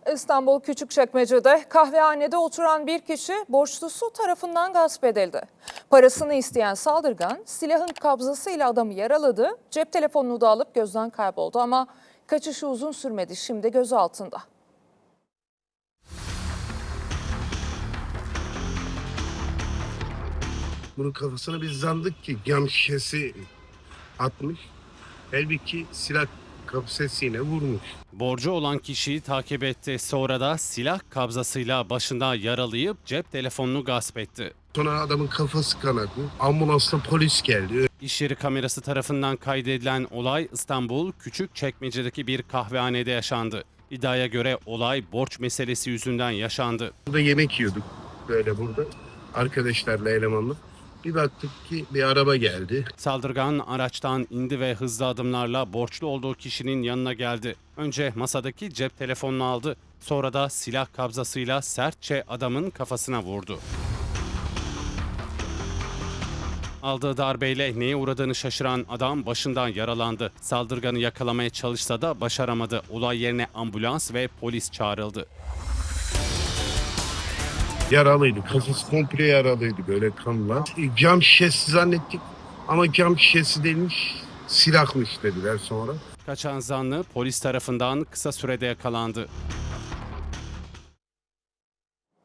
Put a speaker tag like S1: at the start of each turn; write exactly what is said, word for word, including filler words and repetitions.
S1: İstanbul Küçükçekmece'de kahvehanede oturan bir kişi borçlusu tarafından gasp edildi. Parasını isteyen saldırgan silahın kabzasıyla adamı yaraladı, cep telefonunu da alıp gözden kayboldu ama kaçışı uzun sürmedi, şimdi gözaltında.
S2: Bunun kafasına biz zandık ki cam şişesi atmış. Halbuki silah kapsesiyle vurmuş.
S3: Borcu olan kişiyi takip etti. Sonra da silah kabzasıyla başında yaralayıp cep telefonunu gasp etti.
S2: Sonra adamın kafası kanadı. Ambulansla polis geldi.
S3: İş yeri kamerası tarafından kaydedilen olay İstanbul Küçükçekmece'deki bir kahvehanede yaşandı. İddiaya göre olay borç meselesi yüzünden yaşandı.
S2: Burada yemek yiyorduk böyle burada. Arkadaşlarla elemanla. Bir baktık ki bir araba geldi.
S3: Saldırgan araçtan indi ve hızlı adımlarla borçlu olduğu kişinin yanına geldi. Önce masadaki cep telefonunu aldı. Sonra da silah kabzasıyla sertçe adamın kafasına vurdu. Aldığı darbeyle neye uğradığını şaşıran adam başından yaralandı. Saldırganı yakalamaya çalışsa da başaramadı. Olay yerine ambulans ve polis çağrıldı.
S2: Yaralıydı. Kafası komple yaralıydı böyle kanla. Cam şişesi zannettik ama cam şişesi değilmiş. Silahmış dediler sonra.
S3: Kaçan zanlı polis tarafından kısa sürede yakalandı.